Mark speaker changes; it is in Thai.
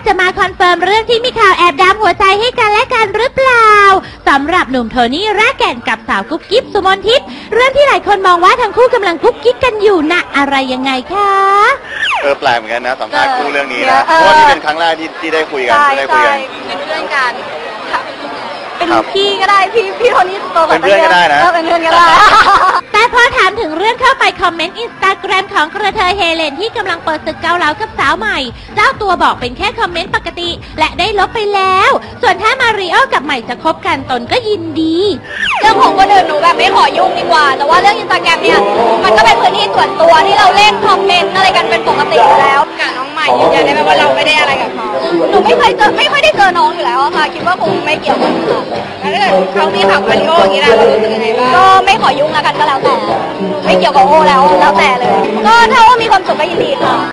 Speaker 1: จะมาคอนเฟิร์มเรื่องที่มีข่าวแอบดามหัวใจให้กันและกันหรือเปล่าสำหรับหนุ่มโทนี่รากแก่นกับสาวกุ๊บกิ๊บสุมนทิพย์เรื่องที่หลายคนมองว่าทั้งคู่กำลังกุ๊บกิ๊บกันอยู่นะอะไรยังไงคะ
Speaker 2: แปลกเหมือนกันนะสัมภาษณ์คู่เรื่องนี้นะเพราะว่านี่เป็นครั้งแรกที่ได้คุยกัน
Speaker 3: เป็นเพื่อนกันเป็นพี่ก็ได้พี่โทนี่โตกว่า
Speaker 2: เป็นเพื่อนก็ได้นะ
Speaker 3: เป็นเพื่อนก็ได้
Speaker 1: แต่พอถามถึงเรื่องเข้าไปคอมเมนต์อินสตาแกรมของกระเทยเฮเลนที่กำลังเปิดศึกเกาเหลากับสาวใหม่เจ้าตัวบอกเป็นแค่คอมเมนต์ปกติและได้ลบไปแล้วส่วนถ้ามาริโอกับใหม่จะคบกันตนก็ยินดี
Speaker 3: เรื่องของคนอื่นหนูแบบไม่ขอยุ่งดีกว่าแต่ว่าเรื่องอินสตาแกรมเนี่ยมันก็เป็นพื้นที่ส่วนตัวที่เราเล่นคอมเมนต์อะไรกันเป็นปกติอยู่แล้วกับน้องใหม่ยืนยันได้ไหมว่าเราไม่ได้อะไรกับเขาหนูไม่ค่อยได้เจอน้องอยู่แล้วค่ะคิดว่าคงไม่เกี่ยวกันค่ะแล้วถ้าเกิดเขามีข่าวมาริโออย่างนี้นะรู้สึกยังไงบ้างก็ไม่ขอยุ่งแล้วกันก็แล้วแต่ไม่เกี่ยวกับโอแล้วแต่เลยก็ถ้าว่ามีความสุขก็ยินดีค่ะ